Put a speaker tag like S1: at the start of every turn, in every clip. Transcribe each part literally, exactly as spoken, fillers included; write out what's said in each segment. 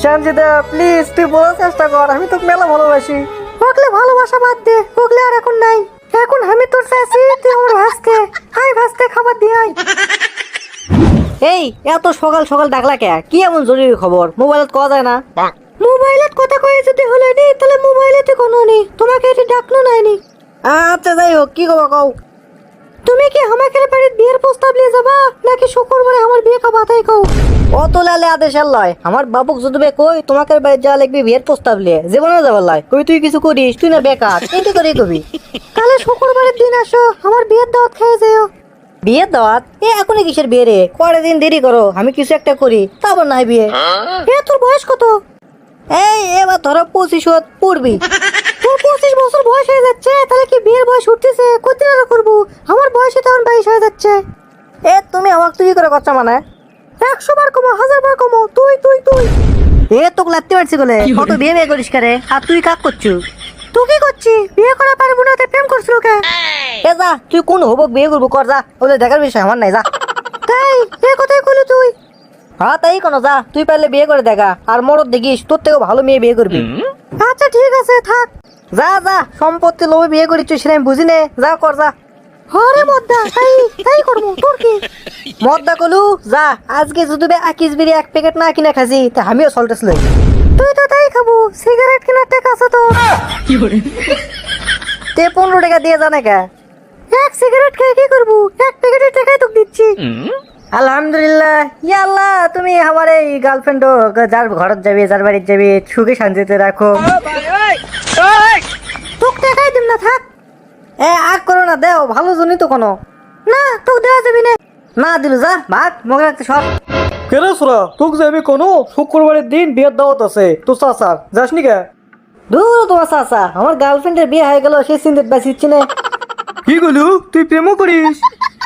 S1: Sanjita please তুই বোঝার চেষ্টা কর, আমি তোকে মেলা ভালোবাসি। ওগলে ভালোবাসা বাদ দে, ওগলে আর এখন নাই। এখন আমি তোর চাইছি তুই আমার ভাসকে আই ভাসতে খাবার দিয়ে আই। এই এত সকাল সকাল ডাকলা কে? কি এমন জরুরি খবর? মোবাইলত কওয়া যায় না? মোবাইলত কথা কয়ে যদি হলে নি তাহলে মোবাইলেতে কোনো নি, তোমাকে এটি ডাকলো নাইনি। আচ্ছা যাই হোক, কি কবা কও। তুমি কি আমাকে বাড়ির বিয়ের প্রস্তাব নিয়ে যাবা নাকি শুক্রবারে আমার বিয়ে খাবা তাই কও? অত লালে আদেশ লয়, আমার বাবুক যদি বে কই তোমাকে বাড়ি যা লাগবে বিয়ের প্রস্তাব নিয়ে জীবনে যাবার লয়, কই তুই কিছু করিস তুই না বেকার এটি করে কবি। তাহলে শুক্রবারের দিন আসো, আমার বিয়ের দাওয়াত খেয়ে যাও। বিয়ের দাওয়াত? এ এখনই কিসের বিয়ে রে? কয়টা দিন দেরি করো, আমি কিছু একটা করি তারপর নাই বিয়ে। এ তোর বয়স কত? এই এবার ধরো পঁচিশ পড়বি। তোর পঁচিশ বছর বয়স হয়ে যাচ্ছে, তাহলে কি বিয়ের বয়স উঠতেছে? কতদিন আর করবো? আমার বয়সে তখন বাইশ হয়ে যাচ্ছে। এ তুমি আমাকে তুই করে করছো মানে? একশো বার কমো, হাজার বার কমো, তুই তুই তুই। এ তোকে লাগতে পারছি বলে কত বিয়ে বিয়ে করিস কারে? আর তুই কাক করছু? তুই কি করছিস? বিয়ে করা পারবো না তাই প্রেম করছিস কে? এ যা, তুই কোন হবক বিয়ে করবো কর যা, ওলে দেখার বিষয় আমার নাই যা। তাই এ কথাই কইলি তুই? হ্যাঁ তাই কোনো যা, তুই পারলে বিয়ে করে দেখা, আর মরদ দেখিস তোর থেকেও ভালো মেয়ে বিয়ে করবি। আচ্ছা ঠিক আছে থাক। যা যা, সম্পত্তি লোভে বিয়ে করিস সেটা আমি বুঝি নে, যা কর যা। হরে মদ্দা তাই তাই করবো, তোর কি? মদ্দা কলু যা, আজকে যদি আকিস বিড়ি এক প্যাকেট না কিনে খাসি তা আমিও সল্টেস লই। তুই তো তাই খাবো, সিগারেট কেনার টাকা আছে তো? তে পনেরো টাকা দিয়ে জানে কে? এক সিগারেট খেয়ে কি করবো? এক প্যাকেটের টাকাই তোকে দিচ্ছি। আলহামদুলিল্লাহ। ইয়া আল্লাহ, তুমি আমার এই গার্লফ্রেন্ড যার ঘরত যাবি যার বাড়িতে যাবি সুখে শান্তিতে রাখো। তোকে টাকাই দিম না থাক। এ আগ করো না, দেও ভালো জনি তো কোনো না, তোকে দেওয়া যাবি না। না দিল যা ভাগ, মগে রাখতে সব। কেন সোরা তোকে যাবি কোনো? শুক্রবারের দিন বিয়ের দাওয়াত আছে তো চাচার, যাস নি কে? দূর তোমার চাচা, আমার গার্লফ্রেন্ডের বিয়ে হয়ে গেল সেই চিন্তিত বাঁচিচ্ছি না। কি গলু তুই প্রেমও করিস?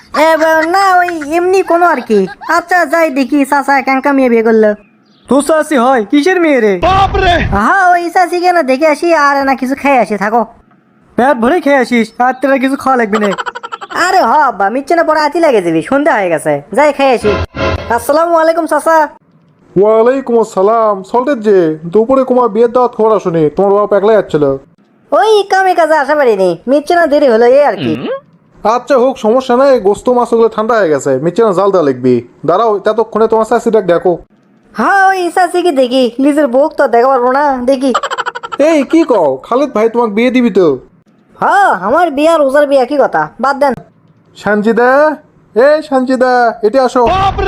S1: না ওই এমনি কোনো আর কি। আচ্ছা যাই দেখি চাচা কেনকা মেয়ে বিয়ে করলো। তোর চাষি হয় কিসের মেয়ে রে? হ্যাঁ ওই চাষি কেন দেখে আসি আর না কিছু খেয়ে আসি থাকো। পেট ভরে খেয়ে আসিস আর তোরা কিছু খাওয়া লাগবে না। আরে হ বা মিচ্ছে না পরে আতি লাগে যাবি, সন্ধ্যা হয়ে গেছে, যাই খেয়ে আসি। আসসালামু আলাইকুম চাচা।
S2: ওয়ালাইকুম আসসালাম। সল্টের যে দুপুরে কুমার বিয়ের দাওয়াত খবর আসুনি, তোমার বাবা একলাই যাচ্ছিল।
S1: ওই কামে কাজে আসা পারিনি, মিচ্ছে না দেরি হলো এই আর কি।
S2: আচ্ছা হোক, সমস্যা নাই। গোস্ত মাছ ওগুলো ঠান্ডা হয়ে গেছে, মিচ্ছে না জাল দেওয়া লিখবি। দাঁড়াও ততক্ষণে তোমার চাষি ডাক দেখো।
S1: হ্যাঁ ওই চাষি কি দেখি, নিজের বউক তো দেখা পারবো না দেখি।
S2: এই কি কও, খালিদ ভাই তোমাকে বিয়ে দিবি তো?
S1: হ্যাঁ আমার বিয়া রোজার বিয়া, কি কথা বাদ দেন।
S2: সানজিদা, এ সানজিদা এটি আসো।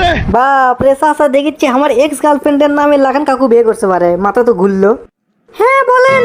S1: বাপরে চাচা দেখিচ্ছি আমার এক্স গার্লফ্রেন্ডের নামে লাগান কাকু বিয়ে করতে পারে, মাথা তো ঘুরলো। হ্যাঁ বলেন।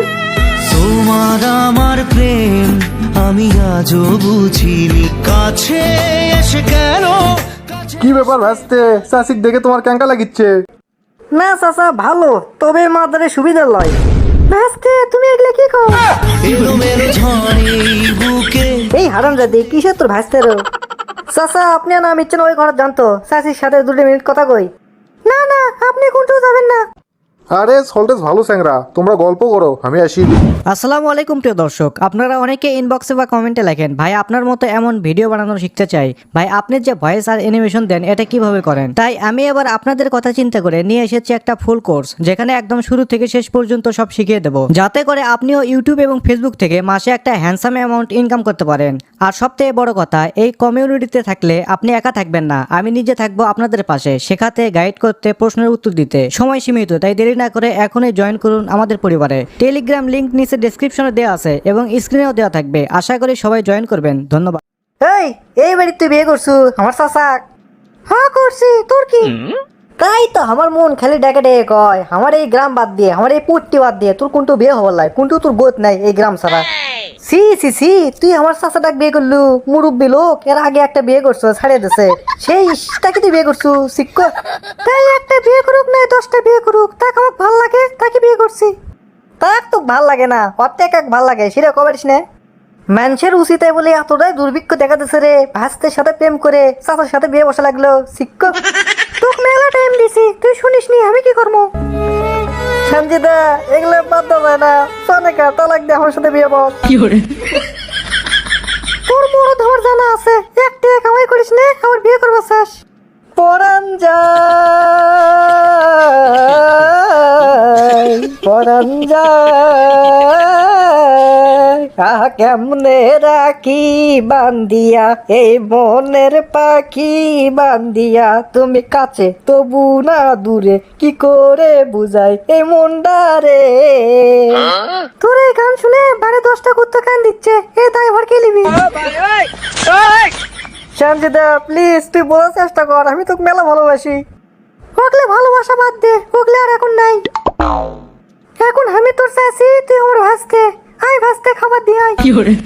S3: তোমার আমার প্রেম আমি আজও বুঝিনি, কাছে এসে কেন?
S2: কি ব্যাপার ভাসতে, চাষিক দেখে তোমার ক্যাঙ্কা লাগিচ্ছে?
S1: না চাচা ভালো, তবে মাদারে সুবিধা লয়। ভাসতে তুমি এগুলো কি কও?
S3: এলোমেলো ঝড়ে বুকে
S1: এই হারাম জাদি কিসের তোর ভাসতের? চাচা আপনি না মিচ্ছেন ওই ঘরে জানতো, চাচির সাথে দুটো মিনিট কথা কই। না না আপনি কোনটাও যাবেন না।
S2: আরে সল্টেস ভালো স্যাংরা, তোমরা গল্প করো আমি আসি।
S4: আসসালামু আলাইকুম প্রিয় দর্শক, আপনারা অনেকে ইনবক্সে বা কমেন্টে লেখেন ভাই আপনার মতো এমন ভিডিও বানানো শিখতে চাই, ভাই আপনি যে ভয়েস আর অ্যানিমেশন দেন এটা কিভাবে করেন। তাই আমি এবার আপনাদের কথা চিন্তা করে নিয়ে এসেছি একটা ফুল কোর্স, যেখানে একদম শুরু থেকে শেষ পর্যন্ত সব শিখিয়ে দেবো, যাতে করে আপনিও ইউটিউব এবং ফেসবুক থেকে মাসে একটা হ্যান্ডসাম অ্যামাউন্ট ইনকাম করতে পারেন। আর সবথেকে বড় কথা, এই কমিউনিটিতে থাকলে আপনি একা থাকবেন না, আমি নিজে থাকবো আপনাদের পাশে, শেখাতে, গাইড করতে, প্রশ্নের উত্তর দিতে। সময় সীমিত, তাই দেরি না করে এখনই জয়েন করুন আমাদের পরিবারে। টেলিগ্রাম লিংক নিচে ডেসক্রিপশনে দেওয়া আছে এবং স্ক্রিনেও দেওয়া থাকবে, আশা করি সবাই জয়েন করবেন। ধন্যবাদ।
S1: এই এই বাড়িতে তুই বিয়ে করছু আমার চাচা? হ্যাঁ করছি, তোর কি? তাই তো আমার মন খালি ডেকে ডেকে কয় আমার এই গ্রাম বাদ দিয়ে, আমার এই পুট্টি বাদ দিয়ে তোর কোনটু বিয়ে হবার লাই, কোনটু তোর গোত নাই এই গ্রাম ছাড়া। সি সি সি তুই আমার চাচাটাক বিয়ে করলু, মুরব্বী লোক, এর আগে একটা বিয়ে করছো ছাড়িয়ে দিছে, সেই তাকে তুই বিয়ে করছু শিক্ষ। তাই একটা বিয়ে করুক না দশটা বিয়ে করুক, তাকে আমার ভাল লাগে তাকে বিয়ে করছি। তাক তো ভাল লাগে না, অর্ধেক এক ভাল লাগে সেটা কবারিস না। মানুষের উচিত বলে এতটাই দুর্ভিক্ষ দেখা দিচ্ছে রে, ভাস্তের সাথে প্রেম করে চাচার সাথে বিয়ে বসা লাগলো শিক্ষক। তোকে মেলা টাইম দিছি, তুই শুনিস নি আমি কি করবো? সঞ্জিদা এগুলো বাদ দেওয়া যায় না, সনেকা তালাক দিয়ে আমার সাথে বিয়ে বল। তোর বড় ধর জানা আছে, একটা কামাই করিস না আমার বিয়ে করবো শেষ। পরান যা পরান যায় আহ কেমনে রাখি বান্দিয়া এই মনের পাখি বান্দিয়া তুমি কাছে তবু না দূরে কি করে বুঝাই এই মনডারে তোর এই গান শুনে বারে দশটা কুত্তা কান দিচ্ছে এ তাই ভর কে লিবি সঞ্জিদা প্লিজ তুই বোঝার চেষ্টা কর আমি তোকে মেলা ভালোবাসি ওগলে ভালোবাসা বাদ দে ওগলে আর এখন নাই এখন আমি তোর চাচি তুই আমার ভাসতে আয় ভাসতে খাবার দিয়ে আয়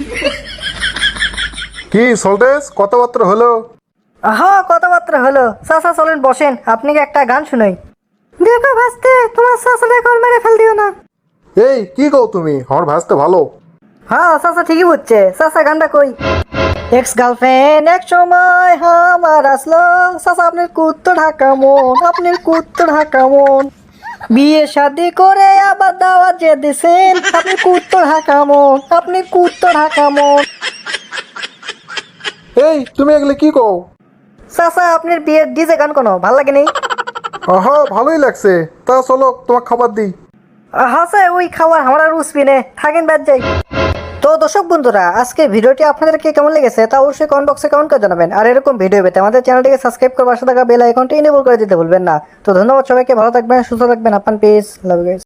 S2: কি সল্টেস কথাবার্তা হলো?
S1: হ্যাঁ কথাবার্তা হলো চাচা চলেন বসেন আপনি কি একটা গান শুনাই দেখো ভাসতে তোমার চাচারে কল মেরে ফেল দিও না
S2: এই কি কও তুমি? আমার ভাসতে ভালো।
S1: হ্যাঁ চাচা ঠিকই বুঝছে চাচা গানটা কই এক্স গার্লফ্রেন্ড এক সময় আমার আসলো চাচা আপনার কুত্তো ঢাকা মন আপনার কুত্তো ঢাকা মন বিয়ে শাদি করে আবার দাওয়াত যে দিছেন আপনি কুত্তো ঢাকা মন আপনি কুত্তো ঢাকা মন
S2: এই তুমি এগুলো কি কও?
S1: চাচা আপনার বিয়ের ডিজে গান কোনো ভাল লাগে নেই
S2: আহা ভালোই লাগছে, তা চলো তোমাকে খাবার দিই।
S1: হাসে ওই খাবার আমরা রুচবি নে থাকেন বাদ যাই তো দর্শক বন্ধুরা আজকের ভিডিওটি আপনাদেরকে কেমন লেগেছে তা অবশ্যই কমেন্ট বক্সে কমেন্ট করে জানাবেন আর এরকম ভিডিও পেতে আমাদের চ্যানেলটিকে সাবস্ক্রাইব করে পাশে থাকা বেল আইকনটি এনেবল করে দিতে ভুলবেন না তো ধন্যবাদ সবাইকে ভালো থাকবেন সুস্থ থাকবেন আপনার পেজ লাভ ইউ গাইস।